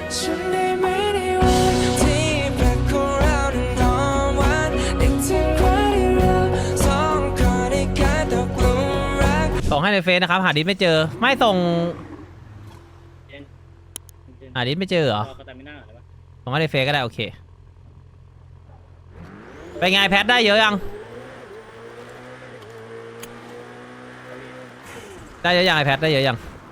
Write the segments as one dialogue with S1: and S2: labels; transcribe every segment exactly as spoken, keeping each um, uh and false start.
S1: ฉันได้ไหมในวันที่แปลกของเรานั้นหอมหวานนึกถึงวันที่เราสองคนได้กลายตกหลุมรัก
S2: ส่งให้ในเฟซนะครับหาดิสไม่เจอไม่ส่งหาดิสไม่เจอเหรอส่งให้ในเฟซก็ได้โอเคไปไงแพทได้เยอะยังได้เยอะยังไอแพทได้เยอะยัง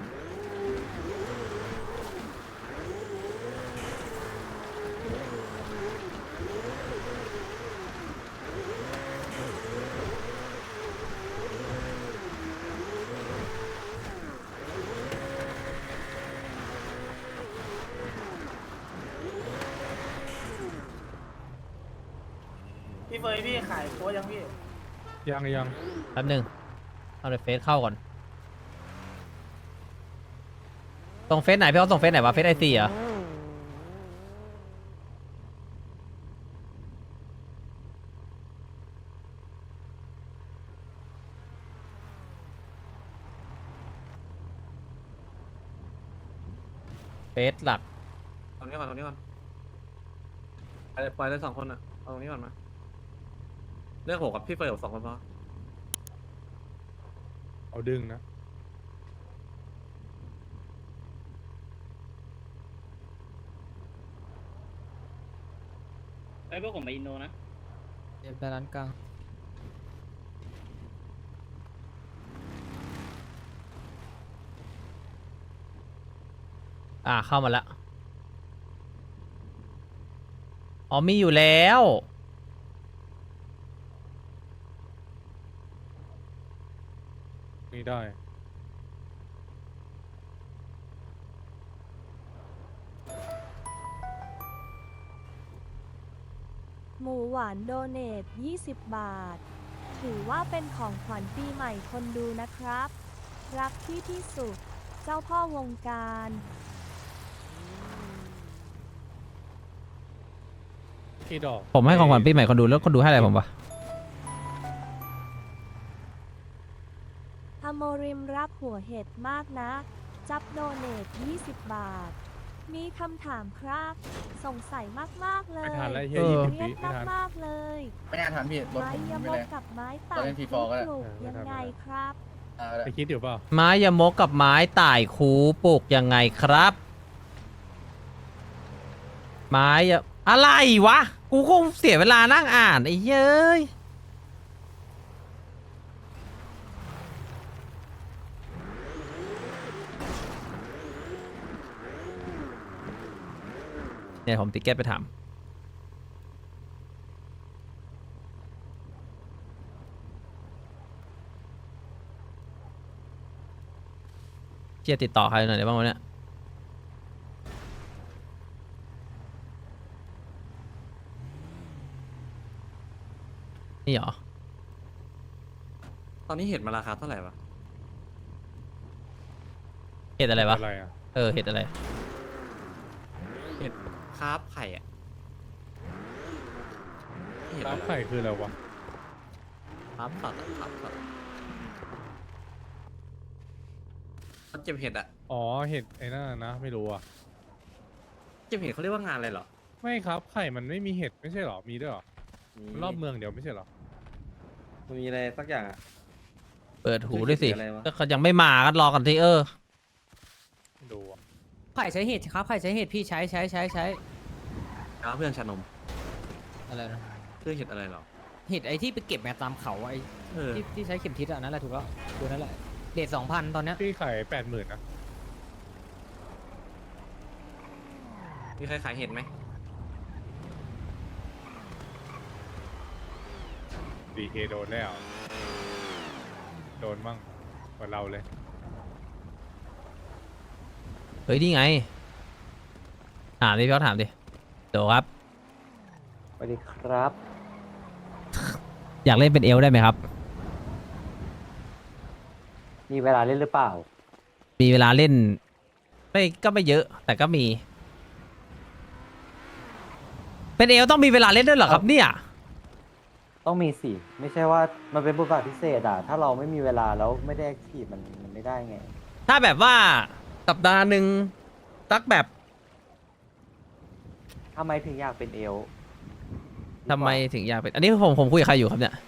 S3: พี่เฟยพี่ขายโค้ดยังพี่
S4: ยังยัง
S2: แป๊บหนึงเอาในเฟซเข้าก่อนส่งเฟซไหนพี่เขาส่งเฟซไหนวะเฟซไอซีเหรอเฟซหลัก
S5: ตรงนี้ก่อนตรงนี้ก่อนไปเลยปล่อยเลยสองคนอ่ะเอาตรงนี้ก่อนมาเลือกผมกับพี่เฟย์กับสองคนพอ
S4: เอาดึงนะ
S6: ไอ้พวกผมไปอินโดนะ
S2: เดินไปร้านกลางอ่าเข้ามาแล้วอ๋อมีอยู่แล้ว
S4: นี่ได้
S7: หมูหวานโดเนทยี่สิบบาท ถือว่าเป็นของขวัญปีใหม่คนดูนะครับ รักพี่ที่สุด เจ้าพ่อวงการ
S4: กี่ดอก
S2: ผมให้ของขวัญปีใหม่คนดูแล้วคนดูให้อะไรผมวะ
S7: อโมริมรักหัวเห็ดมากนะ จับโดเนทยี่สิบบาท มีคำถามครับ สงสัยมาก ๆ เล
S4: ไม่
S7: ย
S4: ทันแล้วเฮียยี่สิบ
S7: เรี
S4: วิ
S7: ยก
S4: ไม่ทัน
S7: มาก ๆ เลย
S8: ไม่น่าทันพี่รถ
S7: ไม้
S8: ผม
S7: ย
S8: ไม่
S7: ม
S8: เล
S7: ก
S8: ย
S7: กับไม้ต่า
S8: ตอน
S7: ง
S8: เล่น
S7: ที่
S8: ทีฟอร์ก็ได้
S7: ปลูกยังไงครับ
S8: อ่า
S4: ไปคิดอยู่เปล่า
S2: ไม้ยมกกับไม้ต่ายคูปลูกยังไงครับ ไม้ยะอะไรวะ กูคงเสียเวลานั่งอ่านไอ้เย้ยเนี่ยผมติ๊กเก็ตไปถามเจียติดต่อใครหน่อยได้บ้างวะเนี่ยนี่เหรอ
S5: ตอนนี้เห็ดมาราคาเท่าไหร่วะ
S2: เห็ดอะไรวะ
S4: อะไรอ่ะ
S2: เออ เห็ดอะไร
S5: เห็ดคาร์ฟไข่อ่ะเห็ด
S4: ร้า
S5: อะ
S4: น
S5: ไร
S4: ไข่คืออะไรวะ
S5: คาร์ฟสัตว์อะคาร์ฟสัตว์มันเก็บเห็ดอ่ะ
S4: อ๋อเห็ดไอ้นั่นน่ะนะไม่รู้อ่ะ
S5: เก็บเห็ดเขาเรียกว่างานอะไรเหรอ
S4: ไม่ครับไข่มันไม่มีเห็ดไม่ใช่หรอมีด้วยหรอมันรอบเมืองเดียวไม่ใช่หรอ
S5: มันมีอะไรสักอย่างอ่ะ
S2: เปิดหูด้วยสิ
S5: อะไรวะ
S2: ก็เขายังไม่มากันรอกันที่เออ
S4: ไม่รู้อ่ะ
S9: ไข่ใช้เห็ดครับไข่ใช้เห็ดพี่ใช้ใช้ใช้ใช้
S5: น้าเพื่อนชานม
S9: อะไรนะ
S5: เพื่อนเห็ดอะไรเหรอ
S9: เห็ดไอ้ที่ไปเก็บมาตามเขาไอ้
S5: เออ
S9: ที่ที่ใช้เข็มทิศอะนั่นแหละถูกแล้วตัวนั่นแหละเดทสองพันตอนเนี้ย
S4: พี่ไข่แปดหมื่นนะ
S5: มีใครขายเห็ดไหม
S4: ดีเคโดนแล้วโดนมั่งกว่าเราเลย
S2: เฮ้ย นี่ไง ถามดิพี่เขาถามดิโดครับ
S10: สวัสดีครับ
S2: อยากเล่นเป็นเอลได้ไหมครับ
S10: มีเวลาเล่นหรือเปล่า
S2: มีเวลาเล่น ไม่ก็ไม่เยอะ แต่ก็มี เป็นเอลต้องมีเวลาเล่นด้วยเหรอครับเนี่ย
S10: ต้องมีสิ ไม่ใช่ว่ามันเป็นบทบาทพิเศษอ่ะ ถ้าเราไม่มีเวลาแล้วไม่ได้แอคทีฟมันมันไม่ได้ไง
S2: ถ้าแบบว่าสัปดาห์หนึ่งสักแบบ
S10: ทำไมถึงอยากเป็นเอลฟ์
S2: ทำไมถึงอยากเป็น อันนี้ผมผมคุยกับใครอยู่ครับเนี่ย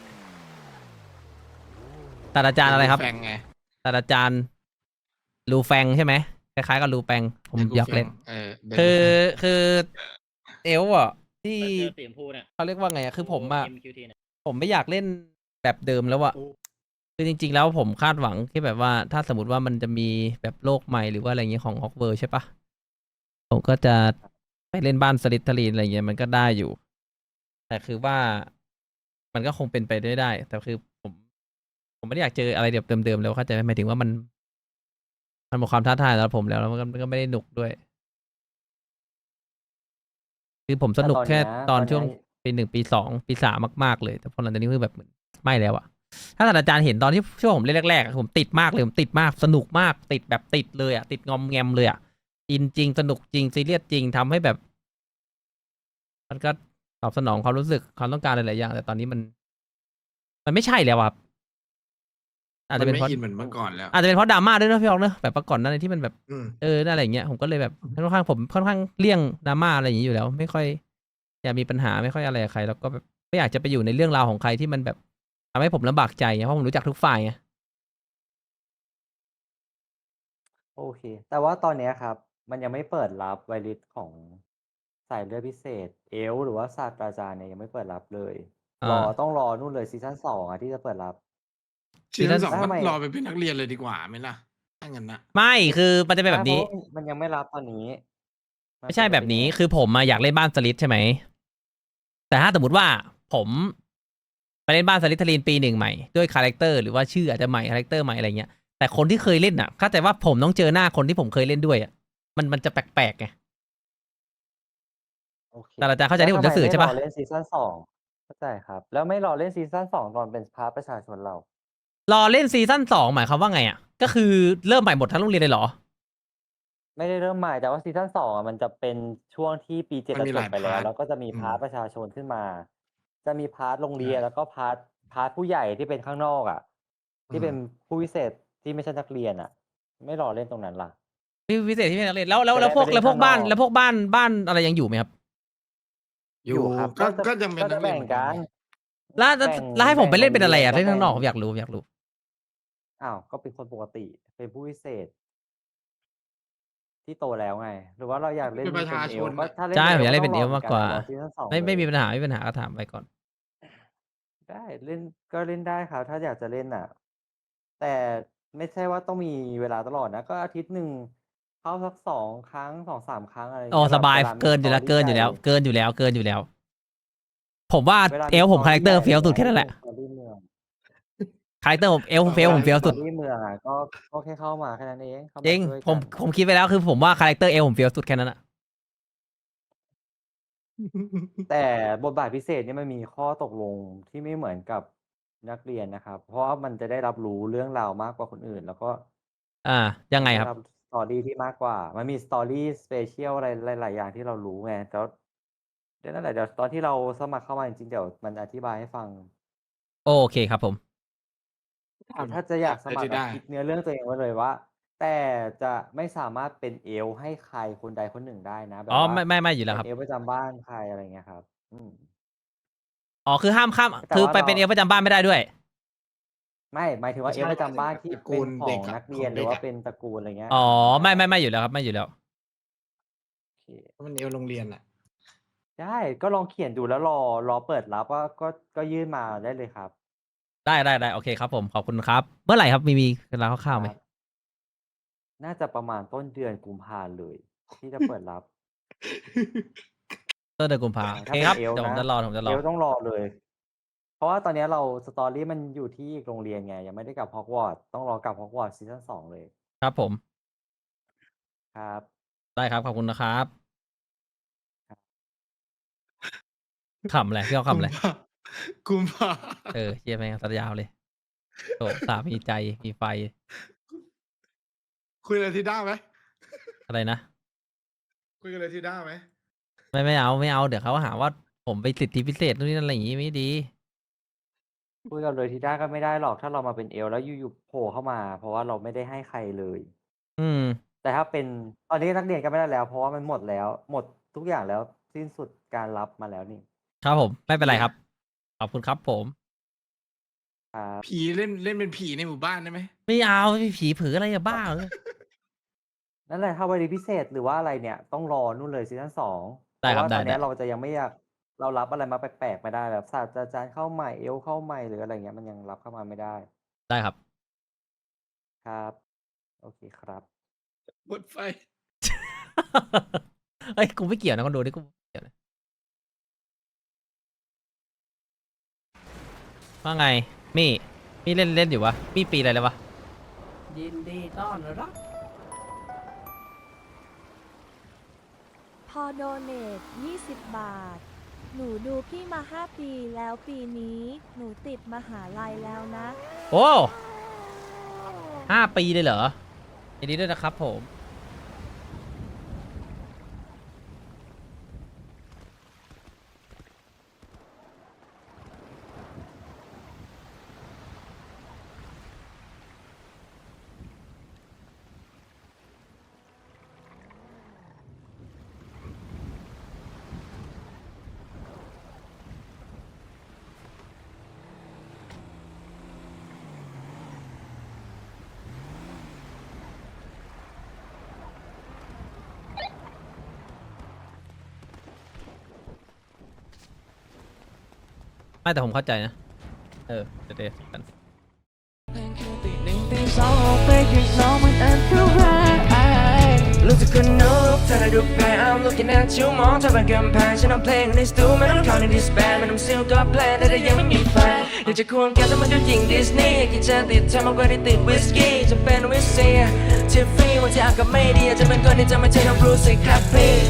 S2: ศาสตราจารย์อะไรครับ
S6: แฟงไง
S2: ศาสตราจารย์ลูแฟงใช่ไหมคล้ายๆกับลูแฟงผมอยากเล่น
S6: เออ
S2: คือคือเอลฟ์อ่ะที่
S9: เจอสีชมพูเนี่ย
S2: เขาเรียกว่าไงอะคือผมอะ
S9: เอ็ม คิว ที เนี่ย
S2: ผมไม่อยากเล่นแบบเดิมแล้วอะคือจริง ๆ แล้วผมคาดหวังที่แบบว่าถ้าสมมติว่ามันจะมีแบบโลกใหม่หรือว่าอะไรเงี้ยของฮอกเวิร์ใช่ปะผมก็จะไปเล่นบ้านสลิทเทอรีนอะไรเงี้ยมันก็ได้อยู่ แต่คือว่ามันก็คงเป็นไปได้ได้ แต่คือผม ผมไม่ได้อยากเจออะไรแบบเดิมๆแล้วเข้าใจไหมหมายถึงว่ามัน มันหมดความท้าทายสำหรับผมแล้วแล้วมันก็มันก็ไม่ได้หนุกด้วย คือผมสนุกแค่ตอนช่วงปีหนึ่งปีสองปีสามมากๆเลย แต่พอหลังจากนี้คือแบบไม่แล้วอะถ้าศาสตราจารย์เห็นตอนที่ช่วงผมเล่นแรกๆอะผมติดมากเลยผมติดมากสนุกมากติดแบบติดเลยอะติดงอมแงมเลยอะอินจริงสนุกจริงซีเรียสจริงทำให้แบบ มันก็ตอบสนองความรู้สึกความต้องการหลายๆอย่าง แต่ตอนนี้มัน มันไม่ใช่แล้วอะครับอาจจะเป็นเพราะ
S6: อินเหมือนเมื่อก่อนแล้ว
S2: อาจจะเป็นเพราะดราม่าด้วยนะพี่ออกเนอะแบบประก่อนหนั้นที่มันแบบ
S6: อืม
S2: เออนั่นอะไรอย่างเงี้ยผมก็เลยแบบค่อนข้างผมค่อนข้างเลี่ยงดราม่าอะไรอย่างนี้อยู่แล้ว ไม่ค่อยอยากมีปัญหาไม่ค่อยอะไรกับใคร แล้วก็แบบไม่อยากจะไปอยู่ในเรื่องราวของใครที่มันแบบทำให้ผมลำบากใจไงเพราะผมรู้จักทุกฝ่ายไง
S10: โอเค แต่ว่าตอนเนี้ยครับ มันยังไม่เปิดรับไวริสของสายเลือดพิเศษ เอลฟ์หรือว่าศาสตราจารย์เนี่ยยังไม่เปิดรับเลย
S2: อ่าร
S10: อต้องรอนู่นเลยซีซั่นสองอ่ะที่จะเปิดรับ
S6: ซีซั่นสอง
S10: แล้ว
S6: ก็
S10: ทำไม
S6: รอไปเป็นนักเรียนเลยดีกว่าไหมล่ะถ้างั้นนะ
S2: ไม่คือมันจะเป็นแบบนี้
S10: ใช่เพราะว่ามันยังไม่รับตอนนี้น
S2: ไม่ใช่
S10: เป็น
S2: แบบนี้
S10: ยังไง
S2: คือผมมาอยากเล่นบ้านสลิดใช่ไหม แต่ถ้าสมมติว่าผมไปเล่นบ้านสลิดทลีนปีหนึ่งใหม่ด้วยคาแรคเตอร์หรือว่าชื่ออาจจะใหม่คาแรคเตอร์ใหม่อะไรเงี้ยแต่คนที่เคยเล่นอ่ะเข้าใจว่าผมต้องเจอหน้าคนที่ผมเคยเล่นด้วยอ่ะมันมันจะแปลกๆไง
S10: โอเค
S2: แต่อาจารย์เข้าใจที่ผมจะสื่อใช่ปะ
S10: แล้วทำไมไม่รอเล่นซีซั่นสองเข้าใจครับ แล้วไม่รอเล่นซีซั่นสองตอนเป็นพาร์ทประชาชนเรา
S2: รอเล่นซีซั่นสองหมายความว่าไงอ่ะก็คือเริ่มใหม่หมดทั้งโรงเรียนเลยเหรอ
S10: ไม่ได้เริ่มใหม่แต่ว่าซีซั่นสองอ่ะมันจะเป็นช่วงที่ปีเจ็ด
S6: มันมี
S10: จ
S6: ห
S10: บ
S6: ลาย
S10: ไปแล้ว
S6: พาร์ท
S10: แล้วก็จะมี
S6: อืม
S10: พาร์ทประชาชนขึ้นมา จะมีพาร์ทโรงเรียน
S6: ใช่
S10: แล้วก็พาร์ทพาร์ทผู้ใหญ่ที่เป็นข้างนอกอ่ะ ที่
S6: อืม
S10: เป็นผู้พิเศษที่ไม่ใช่นักเรียนอ่ะ ไม่รอเล่นตรงนั้นล่ะ
S2: พี่พิเศษที่เป็นนักเรียนแล้วแล้วแล้ว
S10: จะได้
S2: พวก
S10: ไปเล่น
S2: แล้วพวกบ้าน
S10: ข้างนอก
S2: แล้วพวกบ้านบ้านอะไรยังอยู่ไหมครับ
S6: อยู่
S10: ครับ
S6: ก็
S10: จะ
S6: ก็ยังเป็น
S10: ก็
S6: นั
S10: จะ
S6: กเรียน
S10: แบ่
S6: เห
S10: ง
S6: มือนกั
S10: กัน น
S2: แล้วแล้ว
S10: แบ่ง
S2: แล้วให้ผมไปเล่นเป็นอะไรอ่ะ
S10: แบ่
S2: เล่นข้างนอก
S10: โร
S2: ผม
S10: เรี
S2: อยากรู้ผมอยากรู้
S10: อ้าวก็เป็นคนปกติเป็นผู้พิเศษ ที่โตแล้วไง หรือว่าเราอยากเล่น
S6: เป็นประชา
S10: เอ
S6: ช
S10: ล
S6: น
S10: ฟ์ก็
S6: น่ะ
S10: ถ้าเล่น
S2: ใช่
S10: เอ
S2: ผม
S10: ล
S2: อยาก
S10: ฟ์
S2: เล่น
S10: ก็
S2: เป็น
S10: ต้
S2: เอ
S10: องร
S2: ล
S10: อ
S2: มากกว่า
S10: เหมือนกันรอซีซั่นสอง
S2: ไม่ไม่
S10: เลย
S2: มีปัญหาไม่มีปัญหาก็ถามไปก่อน
S10: ได้เล่นก็เล่นได้ครับ ถ้าอยากจะเล่นน่ะ แต่ไม่ใช่ว่าต้องมีเวลาตลอดนะ ก็อาทิตย์หนึ่งเข้าสักสองครั้งสองสามครั้งอะไรอย่าง
S2: อ๋อ
S10: เงี้ย
S2: ส
S10: แบบ
S2: บาย
S10: เวลามี
S2: เกินอยู่แล้ว
S10: story
S2: เกินอยู่แล้ว
S10: ใหญ่
S2: เกินอยู่แล้วเกินอยู่แล้ว ผมว่า
S10: เวลา
S2: เอ
S10: มี
S2: ลผมคาแร
S10: story
S2: คเตอร์
S10: ใหญ่
S2: เฟี้ยวสุด
S10: อะไร
S2: แค่นั้นแห
S10: เงี้
S2: ละ
S10: ย story เมือง
S2: คาแรคเตอร์ผมเอลผมเฟี้ยวผมเฟี้ยวสุด
S10: story เมืองอะก็ก็แค่เข้ามาแค่นั้นเองเข้า
S2: จริ
S10: มาง ช่วย
S2: ผ
S10: กั
S2: ม
S10: น
S2: ผมคิดไปแล้วคือผมว่าคาแรคเตอร์เอลผมเฟี้ยวสุดแค่นั้นอะ
S10: แต่บทบาทพิเศษเนี่ยมันมีข้อตกลงที่ไม่เหมือนกับนักเรียนนะครับ เพราะว่ามันจะได้รับรู้เรื่องราวมากกว่าคนอื่น แล้วก็
S2: อ่า ยังไง
S10: มัน
S2: ค
S10: ได้
S2: รับ
S10: รับ story ที่มากกว่า มันมี story special อะไรหลาย ๆ อย่างที่เรารู้ไงแล้วเดี๋ยวนั่นแหละเดี๋ยวตอนที่เราสมัครเข้ามาจริง ๆ เดี๋ยวมันอธิบายให้ฟัง
S2: โอเคครับผม
S10: คือถ้าจะอยากสมัคร
S6: ได้
S10: อะคิดเนื้อเรื่องตัวเองไว้เลยว่า แต่จะไม่สามารถเป็นเอลฟ์ให้ใครคนใดคนหนึ่งได้นะ แบ
S2: อ๋
S10: บ
S2: อ
S10: ว่า
S2: ไม่ไม่ไม่อยู่แล้
S10: เป็
S2: วน ครับ
S10: เอลฟ์ประจำบ้านใคร อะไรอย่างเงี้ยครับ อืม
S2: อ๋อ คือห้ามข้าม
S10: แต่
S2: คือ
S10: ว่า
S2: ไป
S10: เรา
S2: เป็นเอลประจำบ้านไม่ได้ด้วย
S10: ไม่ หมายถึง
S6: ไม่
S10: ว่า เอ
S6: ใช่
S10: ลฟ์ประจำบ้านที่
S6: ตระ
S10: เป็
S6: กู
S10: น
S6: ล
S10: ขอ
S6: เด็
S10: ง
S6: กอะ
S10: นักเรี
S6: ข
S10: ย
S6: อน ง
S10: ห
S6: เด็
S10: รือก ว่า
S6: อะ
S10: เป็นตระกูล อะไรเงี้ย
S2: อ๋อ
S10: อ่า
S2: ไม่
S10: ได้
S2: ไม่ไม่อยู่แล้วครับ ไม่อยู่แล้ว
S10: โอเค
S6: เพราะมันเอวโรงเรียนอะ
S10: ได้ ก็ลองเขียนดูแล้วรอ รอเปิดรับว่า ก็ ก็ยื่นมาได้เลยครับ
S2: ได้ได้ได้โอเคครับผม ขอบคุณครับ เมื่อไหร่ครับ มีมีเวลาคร่าวๆไหม
S10: ครับ น่าจะประมาณต้นเดือนกุมภาเลย ที่จะเปิดรับ
S2: ต้นเดือนกุมภา
S10: ใช่
S2: โอ
S10: ถ้า
S2: เค
S10: เป็
S2: คน รับ
S10: เอลฟ์
S2: เดี๋ยวผม
S10: นะ
S2: จะรอผมจะร
S10: เอ
S2: อ
S10: ลฟ์ต้องรอเลย เพราะว่าตอนเนี้ยเรา story มันอยู่ที่อีกโรงเรียนไง ยังไม่ได้กลับ Hogwarts ต้องรอกลับ Hogwarts ซีซั่นสองเลย
S2: ครับผม
S10: ครับ
S2: ได้ครับ ขอบคุณนะครับ
S10: ครับ
S2: ขำอะไร พี่เขาขำอะไร
S6: กุมภา
S2: เออ เหี้ย แม่งซะยาวเลย โถ อุตส่าห์มีใจ มีไฟ
S6: คุยกับทีด้าไหม
S2: อะไรนะ
S6: คุยกับทีด้าไหม
S2: ไม่ ไม่เอา ไม่เอา เดี๋ยวเขาหาว่าผมไปสิทธิพิเศษนู่นนี่นั่นอะไรอย่างงี้ไม่ดี
S10: คุยกับเลยทีด้าก็ไม่ได้หรอก ถ้าเรามาเป็นเอลฟ์แล้วอยู่ ๆ โผล่เข้ามา เพราะว่าเราไม่ได้ให้ใครเลย
S2: อืม
S10: แต่ถ้าเป็น ตอนนี้นักเรียนก็ไม่ได้แล้ว เพราะว่ามันหมดแล้ว หมดทุกอย่างแล้วสิ้นสุดการรับมาแล้วนี่
S2: ครับผมไม่เป็นไรครับ ขอบคุณครับผม
S10: ครับ
S6: ผีเล่นเล่นเป็นผีในหมู่บ้านได้ไหม
S2: ไม่เอาไม่ผีผืออะไรอะบ้าเหรอ
S10: นั่นแหละถ้าวันนี้พิเศษหรือว่าอะไรเนี่ย ต้องรอนู่นเลยซีซั่นสองเพ
S2: ได้
S10: ราะ
S2: ครับ
S10: ว่า
S2: ได้
S10: ตอนเนี้ย
S2: ได้
S10: เราจะยังไม่อยากเรารับอะไรมาแปลกๆไม่ได้แบบศาสตราจารย์เข้าใหม่เอลเข้าใหม่หรืออะไรเงี้ยมันยังรับเข้ามาไม่ได้
S2: ได้ครับ
S10: ครับ โอเคครับ
S6: หมดไฟ
S2: เอ้ยกูไม่เกี่ยวนะคนดูนี่กูไม่เกี่ยวนะว่าไงมี่มี่เล่นเล่นอยู่วะมี่ปีอะไรแล้ววะยินดีต้อนรับ
S7: พอโดเนทยี่สิบบาท หนูดูพี่มาห้าปีแล้วปีนี้ หนูติดมหาลัยแล้วนะ
S2: โอ้ห้าปีเลยเหรอยินดีด้วยนะครับผม ไม่แต่ผมเข้าใจนะ เออเดี๋ยวเดี๋ยวกัน
S1: รู้สึกคนนกเธอได้ดูแพ้ I'm looking at you มองเธอเป็นกำแพงฉันเอาเพลงในสตูไม่ต้องเข้าในดิสแบนไม่ต้องซิลก็แพลนแต่ถ้ายังไม่มีแฟนอยากจะควงแกแต่มันดูหญิงดิสนีย์กินจะติดเธอมากกว่าที่ติดวิสกี้จะเป็นวิสเซียทิฟฟี่วันที่อากาศไม่ดีอาจจะเป็นคนที่จะไม่ใช่น้องบรูซสิครับพี่